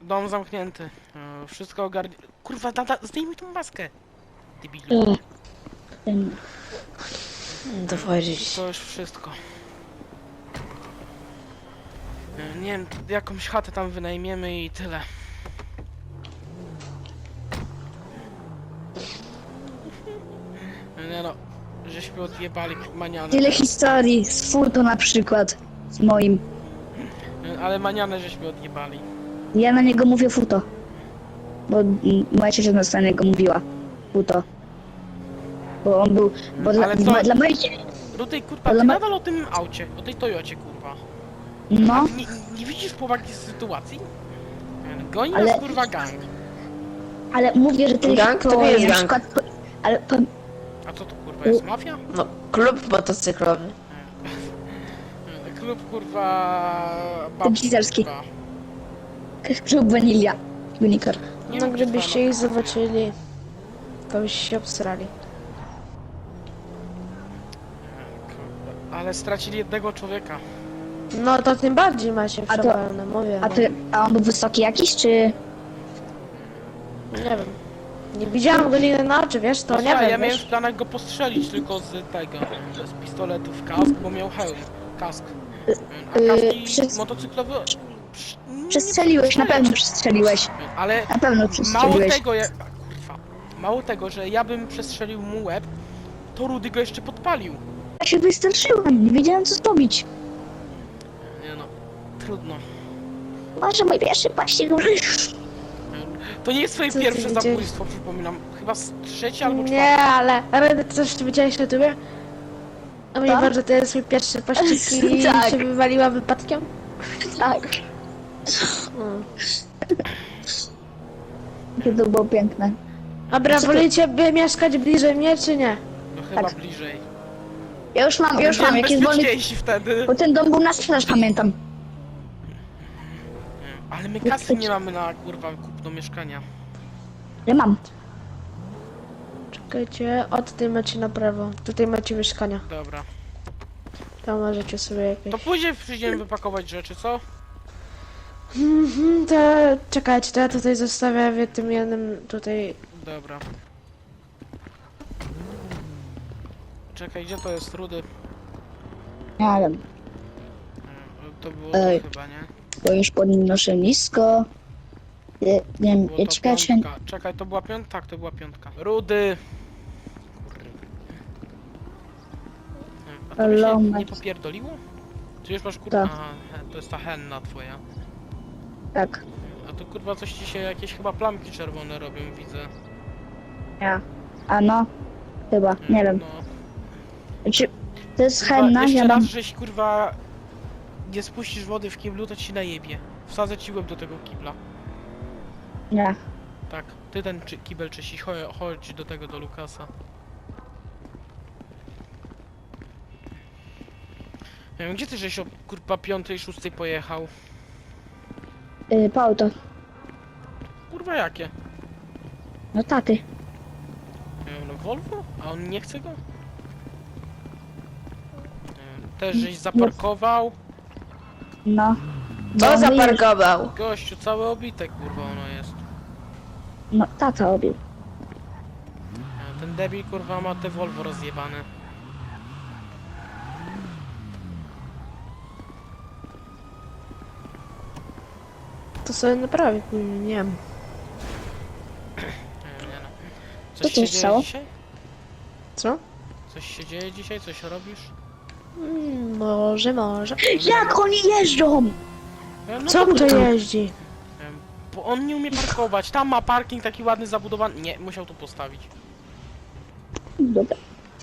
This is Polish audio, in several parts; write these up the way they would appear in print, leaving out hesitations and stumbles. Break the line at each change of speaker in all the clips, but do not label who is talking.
Dom zamknięty. Wszystko ogarnie... Kurwa, zdejmij tą maskę. Debilu.
To wchodzić.
To już wszystko. Nie wiem, jakąś chatę tam wynajmiemy i tyle. Nie no, żeśmy odjebali manianę.
Tyle historii z Futo na przykład. Z moim.
Ale manianę żeśmy odjebali.
Ja na niego mówię Futo. Bo moja ciocia na niego mówiła. Futo. Bo on był... Bo
Ale co?
dla mojej...
Rudy, kurwa,
Ale
ty
ma-
nadal o tym aucie, o tej Toyocie, kurwa.
No,
Nie widzisz powagi sytuacji? Goni
Ale-
nas, kurwa, gang.
ale mówię, że tyle
Gang to
historii,
nie jest
na
gang.
przykład... Ale
A co to, kurwa, jest mafia?
No, klub motocyklowy.
Klub, kurwa... babci,
Gizelski.
kurwa.
klub Vanilla. Unicorn.
Nie
No
wiem, gdzie
gdybyście
twoja
ich zobaczyli, to byście się obsrali.
mafia. Ale stracili jednego człowieka.
No to tym bardziej macie
A to-
przewalone, mówię.
A on był wysoki jakiś, czy...
Nie wiem. Nie widziałam go nigdy na oczy, wiesz, to nie
Słuchaj,
wiem,
ja miałem
wiesz.
w planach go postrzelić tylko z tego, z pistoletu w kask, bo miał hełm, kask. A kaski
przez-
motocyklowe...
Przestrzeliłeś, na pewno przestrzeliłeś.
Ale
Na pewno
mało
przestrzeliłeś.
tego, kurwa, mało tego, że ja bym przestrzelił mu łeb, to Rudy go jeszcze podpalił.
Ja się wystraszyłam, nie wiedziałem co zrobić.
Nie no, trudno.
Może mój pierwszy paścig.
To nie jest twoje
Co ty
pierwsze
widziałeś?
zabójstwo, przypominam. Chyba z trzecie albo czwarte.
Nie, ale Redy, ty coś ty widziałeś na tobie? A mnie
Tak?
bardzo to jest mój pierwszy pościg i
Tak.
się wywaliła wypadkiem?
Tak,
Mm.
to było piękne.
Dobra,
Co ty-
wolicie by mieszkać bliżej mnie, czy nie?
No chyba
Tak.
bliżej.
Ja już mam
Byłem
jakiś wolny...
bezpieczniejsi wtedy.
Bo ten dom był na sprzedaż, pamiętam.
Ale my kasy nie mamy na, kurwa, kupno mieszkania.
Ja mam.
Czekajcie, od tej macie na prawo. Tutaj macie mieszkania.
Dobra.
Tam możecie sobie jakieś...
To później przyjdziemy wypakować rzeczy, co?
To czekajcie, to ja tutaj zostawię w tym jednym tutaj...
Dobra. Czekaj, gdzie to jest, Rudy?
Nie wiem,
To było
Ej.
to chyba, nie?
bo już podnoszę nisko. Nie wiem,
Było to
ciekawe,
piątka. Czekaj, to była piątka? Tak, to była piątka. Rudy! A to by się
Lomek.
nie popierdoliło? Czy już masz kurwa?
Tak.
Aha, to jest ta henna twoja.
tak.
A to kurwa coś ci się jakieś chyba plamki czerwone robią, widzę.
Ja. A no, chyba, nie wiem.
No.
Znaczy, to jest
Kurwa,
henna,
jeszcze
ja
raz,
mam...
żeś kurwa nie spuścisz wody w kiblu, to ci najebie. Wsadzę ci łeb do tego kibla.
Nie.
Tak, ty ten kibel czyścisz, chodź do tego, do Lukasa. Nie wiem, gdzie ty żeś o kurwa 5, 6 pojechał?
Po auto.
Kurwa jakie?
No taty.
Nie wiem, no Volvo? A on nie chce go? Nie wiem, też żeś zaparkował?
No.
Co
Bo
zaparkował?
Gościu, całe obite kurwa ono jest.
No, tata obił.
Ten debil kurwa ma te Volvo rozjebane.
To sobie naprawię, nie wiem.
Nie no.
Co
Coś
tu
się
stało?
dzieje dzisiaj?
Co?
Coś się dzieje dzisiaj? Coś robisz?
Może.
Jak oni jeżdżą?
No
Co
to
to jeździ?
Bo on nie umie parkować. Tam ma parking taki ładny, zabudowany. Nie, musiał tu postawić.
Dobra.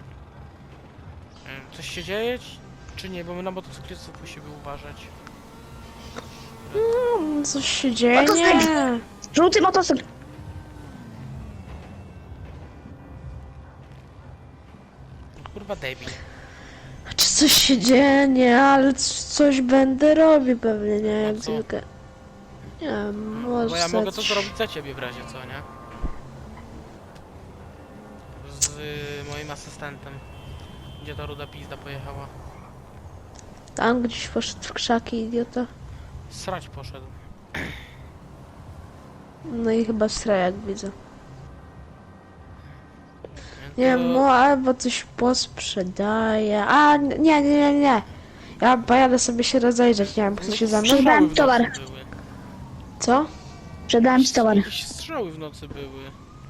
Coś się dzieje? Czy nie? Bo my na motocyklistów musimy uważać.
Coś się dzieje?
Motocykl!
Nie.
Żółty motocykl.
Kurwa debil.
Czy coś się dzieje? Nie, ale coś będę robił pewnie, nie? Jak
co?
zwykle. Nie wiem,
Bo
może
ja mogę to
coś-
zrobić za ciebie w razie co, nie? Z moim asystentem. Gdzie ta ruda pizda pojechała?
Tam gdzieś poszedł w krzaki, idiota.
Srać poszedł.
No i chyba strajak widzę. Nie
To-
wiem, no albo coś posprzedaje. A, nie. Ja pojadę sobie się rozejrzeć, nie wiem, chce się za mną.
Strzały w nocy
towar.
były.
Co?
Sprzedałem ci towar.
Jakieś strzały w nocy były.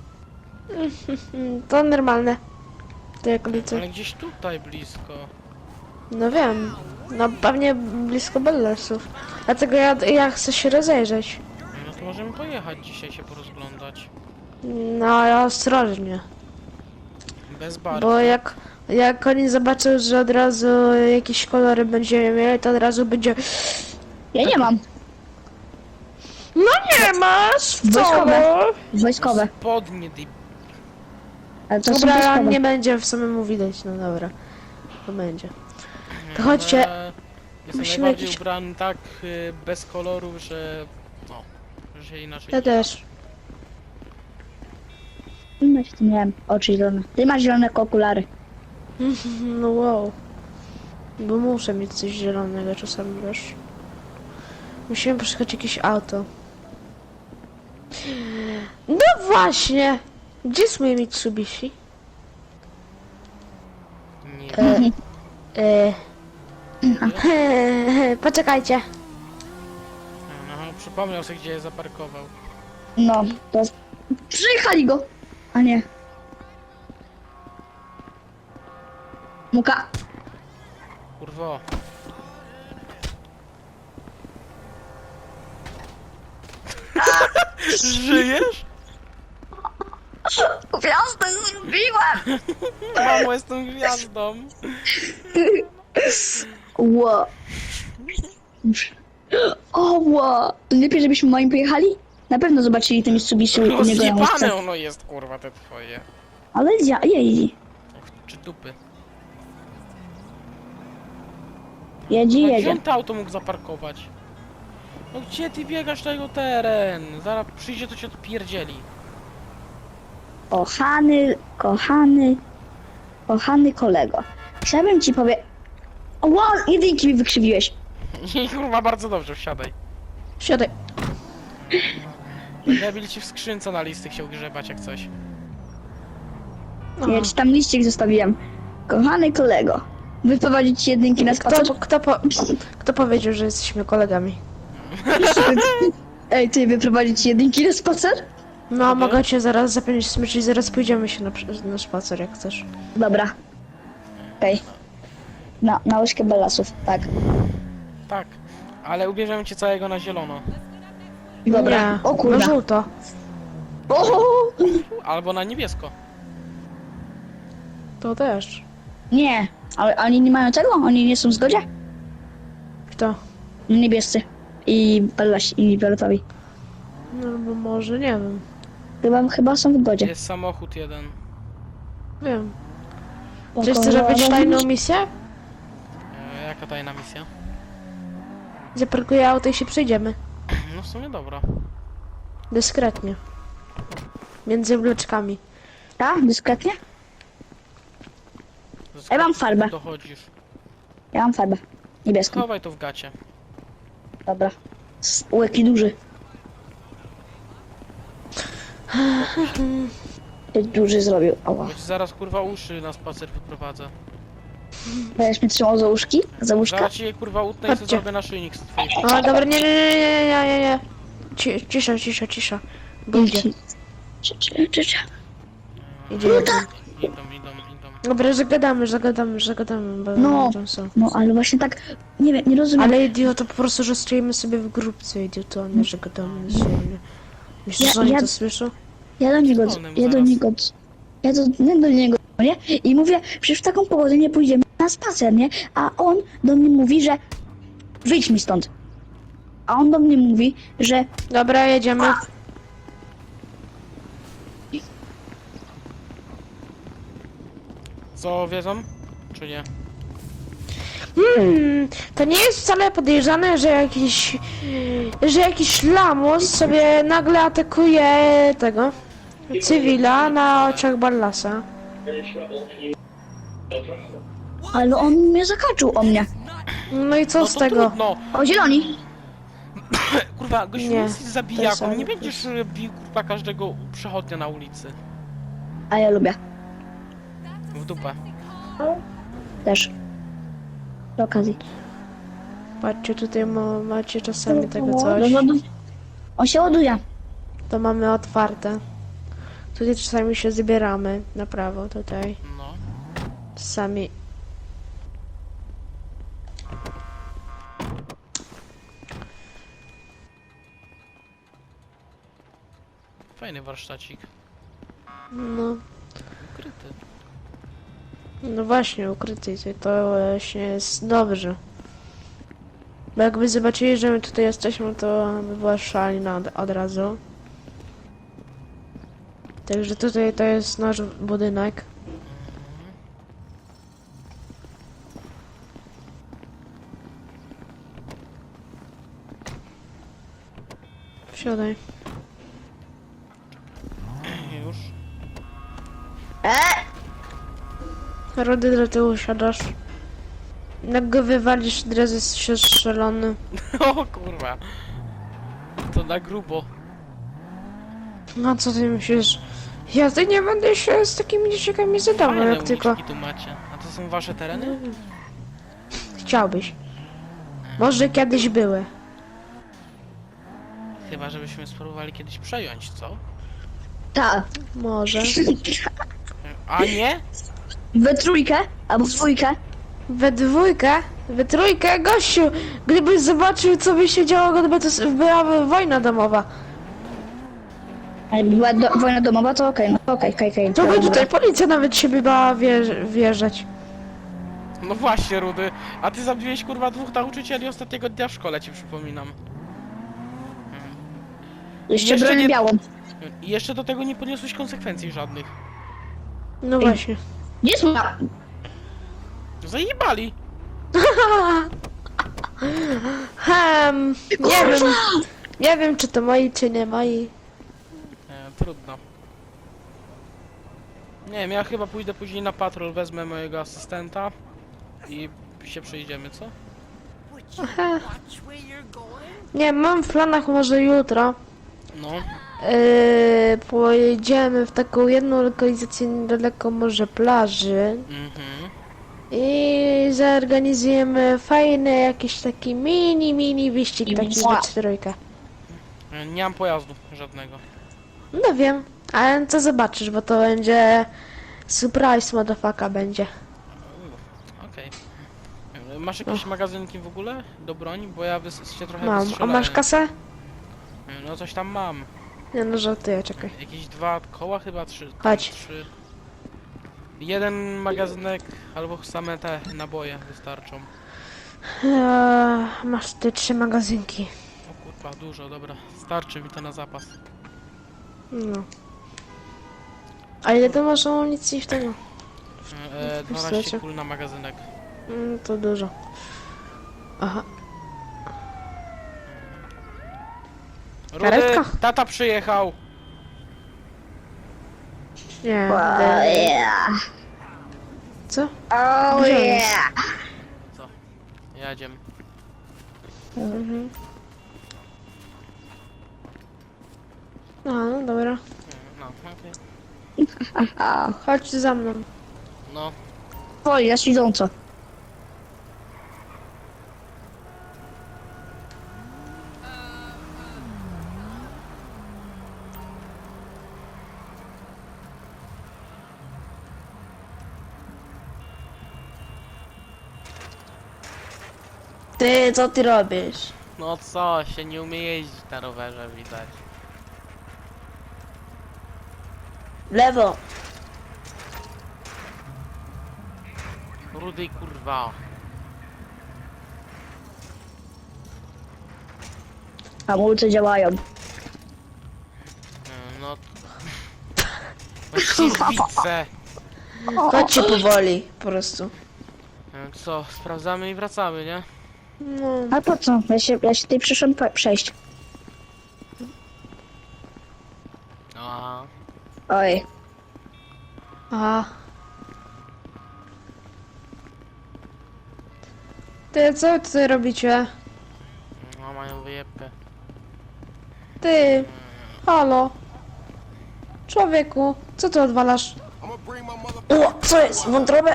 To normalne. To jak liczę.
Ale gdzieś tutaj blisko.
No wiem. No pewnie blisko Bellasów. Dlatego ja chcę się rozejrzeć.
No to możemy pojechać dzisiaj się porozglądać.
No ale ostrożnie.
Bez bar.
Bo jak oni zobaczą, że od razu jakieś kolory będziemy mieli, to od razu będzie...
Ja nie mam.
No nie masz!
Wojskowe. Wojskowe.
Spodnie, dy...
Ale to są
Dobra,
wojskowe.
nie będzie w samemu widać, no dobra. To będzie. To chodźcie.
Jestem
Musimy
najbardziej
jakiś-
ubrany tak bez kolorów, że... No, że inaczej...
Ja też.
No się tu miałem oczy zielone. Ty masz zielone okulary.
No wow. Bo muszę mieć coś zielonego czasami, wiesz. Musimy poszukać jakieś auto. No właśnie! Gdzie jest moje Mitsubishi?
Nie.
Poczekajcie.
No, przypomniał sobie, gdzie je zaparkował.
No, to... Przyjechali go! A nie. Muka.
Kurwo. Żyjesz?
Gwiazdę zrobiłem!
Mamo, jestem gwiazdą.
Ło. O, ło. To lepiej, żebyśmy moim pojechali? Na pewno zobaczyli te Mitsubishi u niego na łóżce.
Rozjebane ono jest, kurwa, te twoje.
Ale jeździ.
Czy dupy.
Jedzie,
No, gdzie
jedzie.
on to auto mógł zaparkować? No gdzie ty biegasz na jego teren? Zaraz przyjdzie, to cię odpierdzieli.
Kochany kolego. Chciałbym ci powiedzieć... Ło, jedynki mi wykrzywiłeś.
I kurwa, bardzo dobrze, wsiadaj.
Siadaj.
Debil ci w skrzynce na listy chciał grzebać jak coś.
No.
Ja ci tam liścik zostawiłem. Kochany kolego. Wyprowadzić ci jedynki na spacer?
Kto powiedział, że jesteśmy kolegami?
Ej, ty wyprowadzić ci jedynki na spacer?
No, mogę cię zaraz zapiąć smycz i zaraz pójdziemy się na spacer, jak chcesz.
Dobra. Okej. Na łyżkę Bellasów, tak.
Tak, ale ubierzemy cię całego na zielono.
Dobra.
Nie,
O
na
kurwa.
żółto.
O!
Albo na niebiesko.
To też.
Nie, ale oni nie mają tego? Oni nie są w zgodzie?
Kto?
Niebiescy. I Bellasi, i fioletowi.
No, bo może, nie wiem.
Chyba są w zgodzie.
Jest samochód jeden.
Wiem. Czy chcesz robić tajną misję?
Jaka tajna misja?
Zaparkuję auto i się przejdziemy.
No w sumie dobra.
Dyskretnie. Między bloczkami.
Tak? Dyskretnie? Ja mam farbę.
Dochodzisz.
Ja mam farbę. Niebieską.
Schowaj to w gacie.
Dobra. Łyki duży. Duży zrobił. Ała.
Bo ci zaraz kurwa uszy na spacer wyprowadzę.
Będziesz mnie trzymał za łóżki? Za łóżka?
Zaraz ci je kurwa utnę i sobie
Chodźcie.
zrobię naszyjnik z twoich.
O, dobra, nie. Cisza. Bo idzie.
Cia.
Idzie.
Idą.
Dobra, zagadamy, bo
No.
tam są.
No ale właśnie tak, nie wiem, nie rozumiem.
Ale idioto, po prostu, że stoimy sobie w grupce, idioto, nie, że gadamy sobie. Myślisz, że oni
Ja-
to słyszą?
Ja do niego,
Wolnym
ja do
zaraz.
niego, ja do niego, nie? I mówię, przecież w taką pogodę nie pójdziemy na spacer, nie? A on do mnie mówi, że wyjdź mi stąd. A on do mnie mówi, że
Dobra, jedziemy.
Co wiedzą? Czy nie?
To nie jest wcale podejrzane, że jakiś lamus sobie nagle atakuje tego cywila na oczach Ballasa.
ale on mnie zakaczył o mnie.
No i co
No
z
to
tego?
trudno.
O, zieloni.
Kurwa, kurwa, gościu
Nie,
jest zabijaką,
to
nie
jest-
będziesz bił kurwa każdego przechodnia na ulicy.
A ja lubię.
W dupę.
Też. Do okazji.
Patrzcie, tutaj macie czasami tego
Do
coś.
wodu. On się ładuje.
To mamy otwarte. Tutaj czasami się zbieramy na prawo, tutaj.
No.
Czasami...
Fajny warsztacik.
No,
Ukryty.
no właśnie, ukryty, to właśnie jest dobrze. Bo jakby zobaczyli, że my tutaj jesteśmy, to by była szalina od razu. Także tutaj to jest nasz budynek. Wsiadaj.
Już.
Rody do tyłu siadasz. Jak go wywalisz, od razu jest się strzelony.
O kurwa. To na grubo.
No co ty myślisz? Ja ty nie będę się z takimi dzieciakami zadawał,
Fajne
jak tylko
uliczki tu macie. A to są wasze tereny?
chciałbyś. Może kiedyś były.
Chyba, żebyśmy spróbowali kiedyś przejąć, co?
Tak.
Może.
A nie?
We trójkę albo w dwójkę.
We trójkę, gościu! Gdybyś zobaczył, co by się działo, gdyby to była wojna domowa.
A jakby była wojna domowa, to okej, no okej.
To by tutaj policja nawet się by bała wjeżdżać.
No właśnie, Rudy. A ty zabiłeś kurwa 2 nauczycieli ostatniego dnia w szkole, ci przypominam.
Jeszcze
Jeszcze
bronię
nie-
białą.
I jeszcze do tego nie poniosłeś konsekwencji żadnych.
No właśnie.
Gdzie jest moja...
Zajebali.
Nie wiem, czy to moi, czy nie moi.
Trudno. Nie wiem, ja chyba pójdę później na patrol, wezmę mojego asystenta i się przejdziemy, co?
Nie, mam w planach może jutro.
No.
Pojedziemy w taką jedną lokalizację niedaleko może plaży
Mhm.
i zorganizujemy fajny jakiś taki mini wyścig taki we trójkę.
Nie mam pojazdu żadnego.
No wiem, ale to zobaczysz, bo to będzie surprise motherfucker będzie.
Okej. Masz jakieś magazynki w ogóle do broni? Bo ja się trochę
Mam, a
wystrzelałem.
masz kasę?
No coś tam mam.
Nie no, żartuję, czekaj.
Jakieś 2 koła chyba, 3.
Chodź.
3. Jeden magazynek albo same te naboje wystarczą.
Masz te 3 magazynki.
O kurwa, dużo, dobra. Starczy mi to na zapas.
No. A ile to masz amunicji w tego?
12
pistolecie?
kul na magazynek.
To dużo. Aha.
Rudy,
Karetka?
tata przyjechał!
Nie.
Oh yeah.
Co?
Oh
Gdzie
yeah.
Co? Jadziem.
Mhm. Aha, no dobra.
No, okej.
Chodź za mną.
No.
Oj, ja idąco.
Ty, co ty robisz?
No co, się nie umie jeździć na rowerze, widać.
Lewo.
Rudy, kurwa.
Hamulce działają.
No... Właściwie widzę.
Chodźcie powoli, po prostu.
Co, sprawdzamy i wracamy, nie?
No.
A po co? Ja się tutaj przyszłam przejść.
Aha.
Oj.
Aha. Ty, co wy tutaj robicie?
No, mają wyjebkę.
Ty, halo. Człowieku, co ty odwalasz? O, co jest? Wątrobę?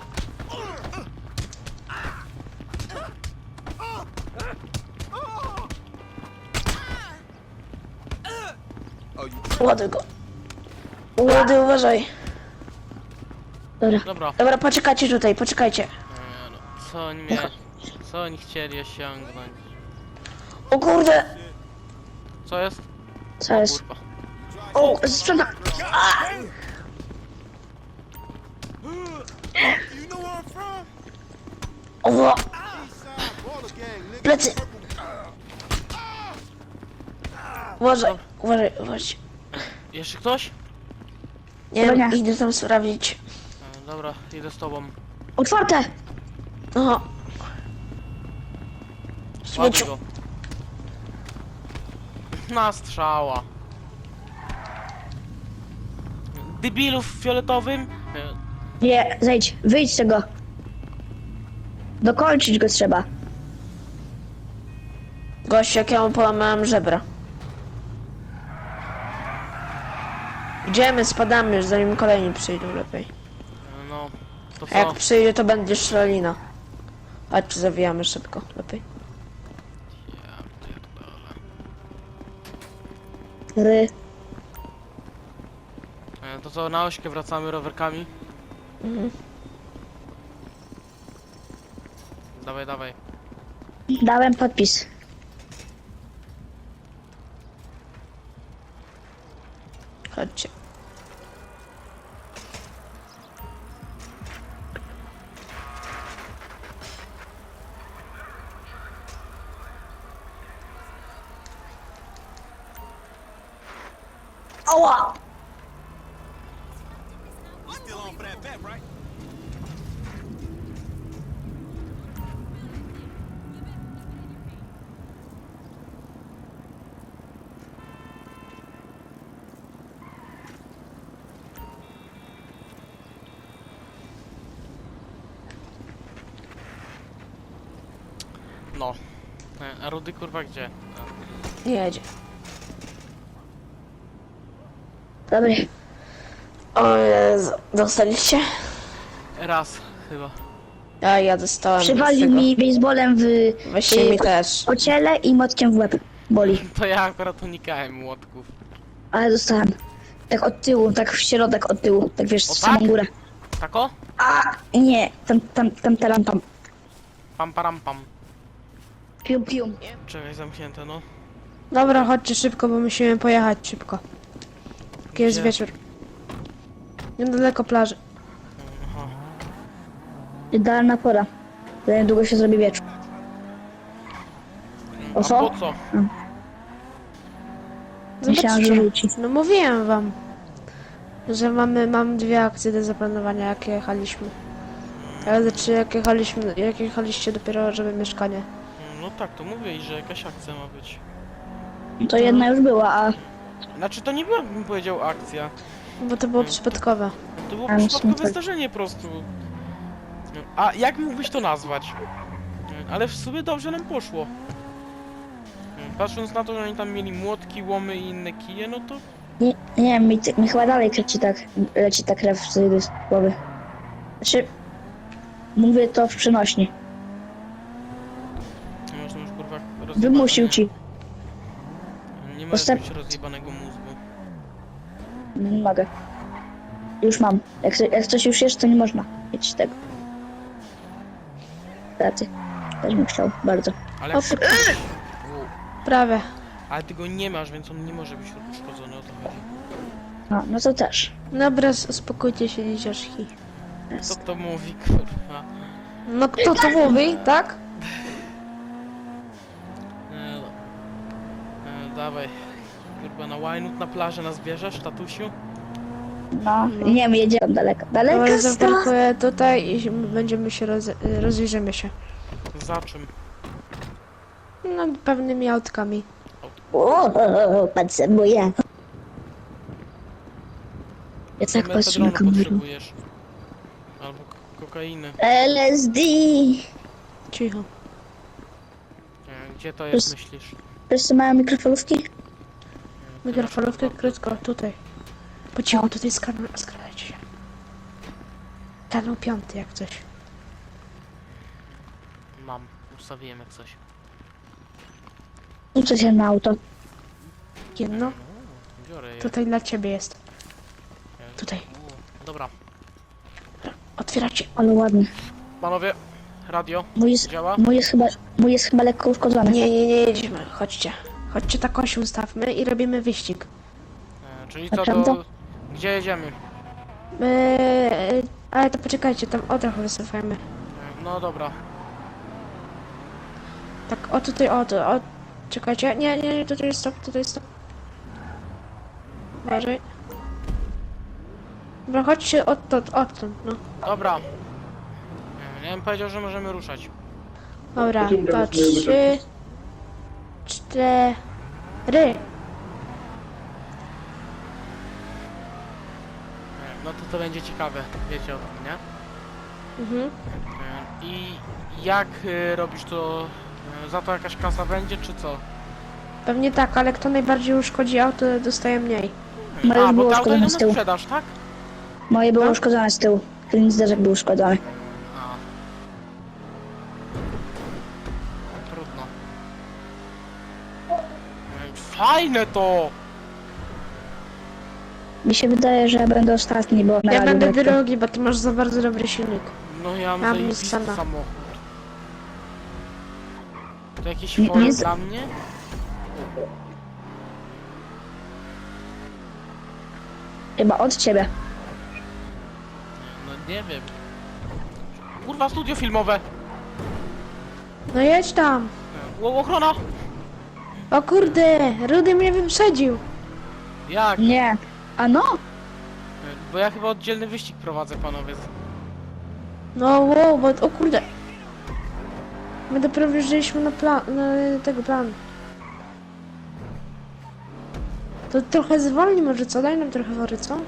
Ładuj go. Ładuj, uważaj. Dobra.
Dobra.
Dobra, poczekajcie tutaj, poczekajcie.
No, co oni chcieli osiągnąć?
O kurde!
Co jest?
Co jest?
Kurwa.
O, sprzedam. O, plecy. Uważaj, uważaj, uważaj.
Jeszcze ktoś?
Nie
Dobra,
wiem,
nie.
idę tam sprawdzić.
Dobra, idę z tobą.
Otwarte.
Aha.
Ładuj
Śmieciu.
go. Na strzała. Debilów w fioletowym?
Nie, zejdź, wyjdź z tego. Dokończyć go trzeba.
Gość, jak ja mu połamałem żebra. Idziemy, spadamy już, zanim kolejni przyjdą lepiej.
No, to
A jak
co?
przyjdzie, to będzie strzelina. Chodź, zawijamy szybko, lepiej.
Ja pierdolę.
Ry.
To co, na ośkę wracamy rowerkami? Dawaj, dawaj.
Dałem podpis.
Chodźcie.
Ała!
No. A Rudy kurwa gdzie?
Nie jedzie.
Dobra.
O Jezu, dostaliście?
Raz chyba.
Ja dostałem z
Przywalił
tego.
mi baseballem w
Weźcie mi też.
po ciele i motkiem w łeb. Boli.
To ja akurat unikałem młotków.
Ale dostałem. Tak od tyłu, tak w środek od tyłu. Tak wiesz,
O
w samą
tak?
górę.
Tako?
A nie, tam.
Pam param pam.
Pium, pium.
Czekaj, zamknięte no.
Dobra, chodźcie szybko, bo musimy pojechać szybko. Taki jest
Gdzie?
wieczór. Niedaleko plaży.
Aha.
Idealna pora. Za niedługo się zrobi wieczór. O
A
co?
po co?
Myślałam, że rzuci.
No mówiłem wam, że mam dwie akcje do zaplanowania, jak jechaliśmy. Ale znaczy jak jechaliście dopiero, żeby mieszkanie.
No tak, to mówię, że jakaś akcja ma być.
To jedna już była, a
Znaczy to nie była, bym powiedział, akcja.
Bo to było przypadkowe.
To było
A, myślę,
przypadkowe
tak.
zdarzenie po prostu. A jak mógłbyś to nazwać? Ale w sumie dobrze nam poszło. Patrząc na to, że oni tam mieli młotki, łomy i inne kije, no to...
nie wiem, mi chyba dalej leci ta krew z głowy. Znaczy, mówię to w przenośni.
Można już kurwa
Wymusił ci.
Nie możesz
Postęp-
mieć rozjebanego mózgu.
Nie mogę. Już mam. Jak coś już jest, to nie można mieć tego. Pracy. Też bym chciał, bardzo.
Ale
O,
jak szybko...
Prawie.
Ale ty go nie masz, więc on nie może być uszkodzony, o to chodzi.
No to też.
Dobra, uspokójcie się, dzieciaczki.
Co to mówi, kurwa?
No kto to mówi, tak?
Dawaj. Kurwa, na łajnut na plażę nas bierzesz, tatusiu?
No, nie wiem, jedzie tam daleko. Daleko
Dobra,
stąd.
zaparkuję tutaj i będziemy się rozejrzymy się.
Za czym?
No, pewnymi autkami.
O, pan semuje. Ja tak patrzę na
Mefedronu
kamerę.
potrzebujesz. Albo kokainy.
LSD.
Cicho.
Gdzie to jest, myślisz?
Wszyscy mają mikrofalówki?
Mikrofalówkę krótko, tutaj. Po cichu, tutaj skradajcie się. Kanał 5 jak coś.
Mam, ustawiłem jak coś.
Rzucę się na auto.
Jedno,
Biorę je.
tutaj dla ciebie jest. Tutaj.
Dobra.
Otwieracie.
Ale ładny.
Panowie, radio
Mój jest,
działa?
mój jest chyba lekko uszkodzony.
Nie jedziemy, chodźcie. Chodźcie, tak się ustawmy i robimy wyścig.
Czyli co
Naprawdę?
do... Gdzie jedziemy?
Ale to poczekajcie, tam o trochę wycofajmy.
No dobra.
Tak, o tutaj, o. Czekajcie, nie, tutaj stop. Uważaj. Dobra, chodźcie odtąd, no.
Dobra. Ja bym powiedział, że możemy ruszać.
Dobra, to 3, 4.
No to będzie ciekawe, wiecie o tym, nie?
Mhm.
I jak robisz to? Za to jakaś kasa będzie, czy co?
Pewnie tak, ale kto najbardziej uszkodzi auto, dostaje mniej.
Moje już
Bo
było
to auto
uszkodzone
idą
z
na
tyłu.
sprzedaż, tak?
Moje było
Tak?
uszkodzone z tyłu. Tylny zderzak był uszkodzony.
A. Trudno. Fajne to!
Mi się wydaje, że ja będę ostatni, bo na
Ja
radiu
będę
lekko.
drugi, bo ty masz za bardzo dobry silnik.
No ja mam
Mam
zajebisty
Nissana.
samochód. To jakiś
Nie-
forum
nie-
dla mnie?
Chyba od ciebie.
No nie wiem. Kurwa, studio filmowe!
No jedź tam.
Ochrona!
O kurde, Rudy mnie wyprzedził.
Jak?
Nie. A no!
Bo ja chyba oddzielny wyścig prowadzę, panowie.
No wow, bo o kurde. My dopiero wjeżdżaliśmy na tego plan. To trochę zwolni może, co? Daj nam trochę wory, co?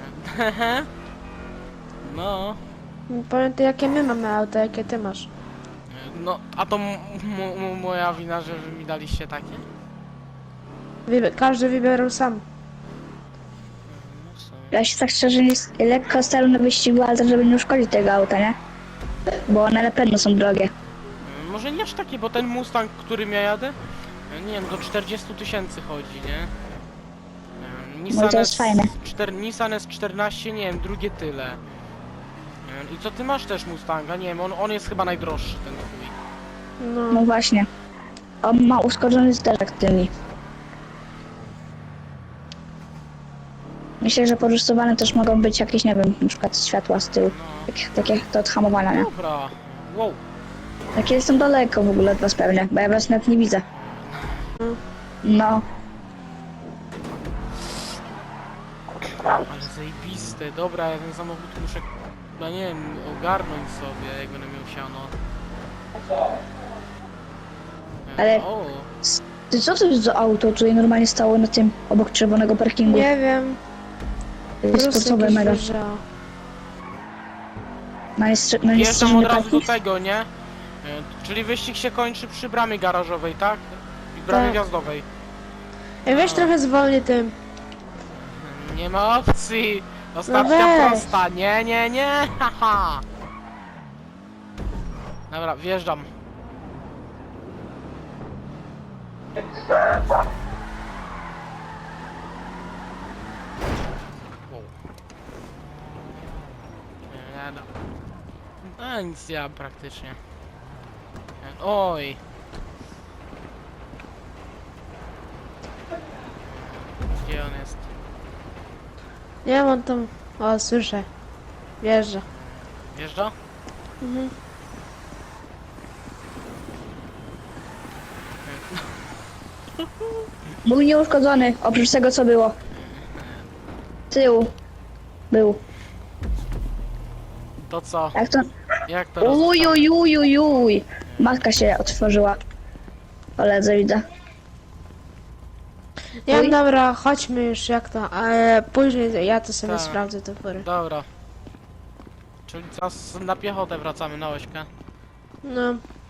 No.
Pamiętaj jakie my mamy auto, jakie ty masz.
No, a to moja wina, że wy mi daliście takie?
Każdy wybierał sam.
No w sumie.
Ja się tak szczerze lekko staram na wyścigu, ale tak, żeby nie uszkodzić tego auta, nie? Bo one na pewno są drogie.
Może nie aż takie, bo ten Mustang, którym ja jadę, nie wiem, do 40 000 chodzi, nie?
No to jest fajne.
Nissan S14, nie wiem, drugie tyle. I co ty masz też Mustanga? Nie wiem, on jest chyba najdroższy, ten twój.
No
No.
właśnie. On ma uszkodzony zderzak tylny. Myślę, że porysowane też mogą być jakieś, nie wiem, na przykład światła z tyłu.
No,
Takie to od hamowania, nie?
dobra. Wow.
Takie jestem daleko w ogóle od was pewnie, bo ja was nawet nie widzę. No,
Ale zajebiste, dobra, ja ten samochód muszę, no nie wiem, ogarnąć sobie, jak będę miał siano.
Ale-
O,
ty co to jest za auto, tutaj normalnie stało na tym, obok czerwonego parkingu?
Nie wiem.
Sportowe mega.
wyjeżdżało.
No jest
wjeżdżam
straszny
od razu do
parking.
tego, nie? Czyli wyścig się kończy przy bramie garażowej, tak? I bramie
Tak.
wjazdowej.
Ej, weź trochę zwolnij tym.
Nie ma opcji! Ostatnia
weź.
prosta, nie, haha! Dobra, wjeżdżam. Wow. No. No nic ja praktycznie. Oj! Gdzie on jest?
Nie wiem, on tam... O, słyszę. Wjeżdża.
Wjeżdża?
Mhm.
Był nieuszkodzony, oprócz tego co było. Tył. Był.
To co?
Jak to...
Jak to roz...
Uj. Matka się otworzyła. Koledze widzę.
Nie
Oj.
wiem, dobra, chodźmy już, jak to. Ale później ja to sobie
Tak.
sprawdzę te pory.
Dobra. Czyli teraz na piechotę wracamy na ośkę.
No.